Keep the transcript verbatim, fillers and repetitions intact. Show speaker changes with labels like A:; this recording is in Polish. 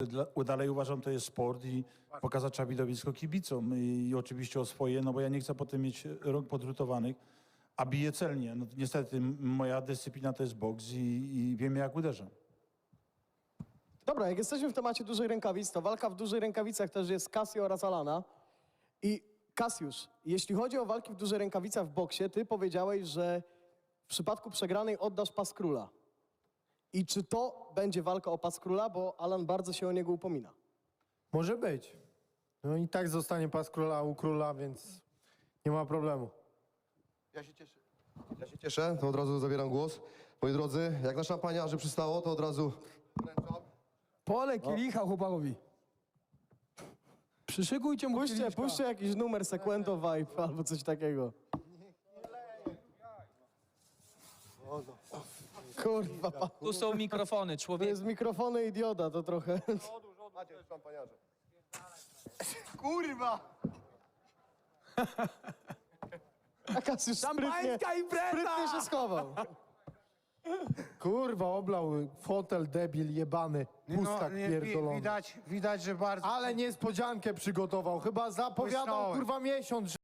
A: dla- dalej uważam, to jest sport i pokazać trzeba widowisko kibicom i, i oczywiście o swoje, no bo ja nie chcę potem mieć rąk podrutowanych, a biję celnie. No, niestety m- moja dyscyplina to jest boks i, i wiem jak uderzam.
B: Dobra, jak jesteśmy w temacie dużej rękawic, to walka w dużej rękawicach też jest Casio oraz Alana. I Kasiusz, jeśli chodzi o walki w dużej rękawicach w boksie, ty powiedziałeś, że w przypadku przegranej oddasz pas króla. I czy to będzie walka o pas króla, bo Alan bardzo się o niego upomina?
C: Może być. No i tak zostanie pas króla u króla, więc nie ma problemu.
D: Ja się cieszę. Ja się cieszę, to od razu zabieram głos. Moi drodzy, jak na szampaniarzy przystało, to od razu wręczam.
E: Pole kielicha chłopakowi. Przyszykujcie mu
B: Puśćcie,
E: kieliszka.
B: puśćcie jakiś numer Sequento Vibe albo coś takiego. Kurwa, pa-
F: Tu są mikrofony,
B: to
F: człowiek.
B: jest mikrofony i dioda, to trochę...
D: Macie szampaniarze.
B: Kurwa! A Kasiusz sprytnie,
E: Szampańska impreza!
B: sprytnie się schował.
C: Kurwa, oblał fotel debil jebany, pustak
G: nie, wi-
C: pierdolony.
G: widać, widać, że bardzo...
C: Ale niespodziankę przygotował, chyba zapowiadał
G: Błysnąłem.
C: kurwa miesiąc,